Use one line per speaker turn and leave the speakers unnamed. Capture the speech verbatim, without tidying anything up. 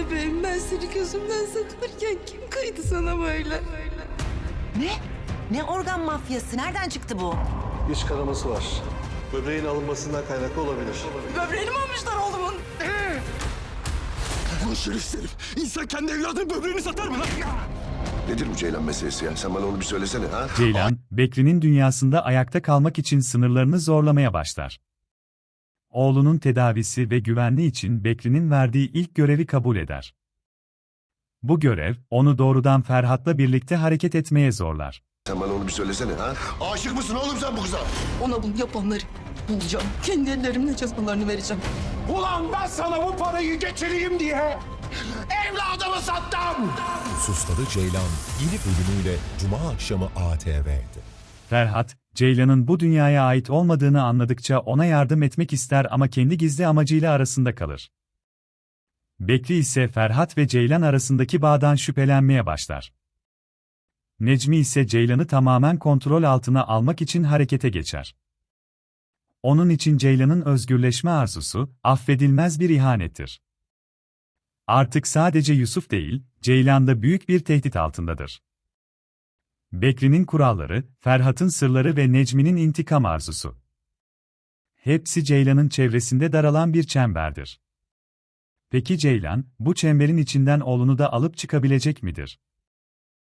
bebeğim, ben seni gözümden saklarken kim kıydı sana böyle?
Ne? Ne organ mafyası? Nereden çıktı bu?
İç kanaması var. Böbreğin alınmasından kaynaklı olabilir.
Böbreğini mi almışlar oğlumun?
Ulan şerefsiz herif. İnsan kendi evladının böbreğini satar mı lan?
Nedir bu Ceylan meselesi ya? Sen bana onu bir söylesene ha?
Ceylan, Bekri'nin dünyasında ayakta kalmak için sınırlarını zorlamaya başlar. Oğlunun tedavisi ve güvenliği için Bekri'nin verdiği ilk görevi kabul eder. Bu görev, onu doğrudan Ferhat'la birlikte hareket etmeye zorlar.
Sen bana onu bir söylesene ha? Aşık mısın oğlum sen bu kıza?
Ona bunu yapanları bulacağım. Kendi ellerimle cezalarını vereceğim.
Ulan ben sana bu parayı getireyim diye evladımı sattım.
Susladı Ceylan yeni bölümüyle Cuma akşamı A T V'de.
Ferhat, Ceylan'ın bu dünyaya ait olmadığını anladıkça ona yardım etmek ister ama kendi gizli amacıyla arasında kalır. Bekri ise Ferhat ve Ceylan arasındaki bağdan şüphelenmeye başlar. Necmi ise Ceylan'ı tamamen kontrol altına almak için harekete geçer. Onun için Ceylan'ın özgürleşme arzusu, affedilmez bir ihanettir. Artık sadece Yusuf değil, Ceylan da büyük bir tehdit altındadır. Bekri'nin kuralları, Ferhat'ın sırları ve Necmi'nin intikam arzusu. Hepsi Ceylan'ın çevresinde daralan bir çemberdir. Peki Ceylan, bu çemberin içinden oğlunu da alıp çıkabilecek midir?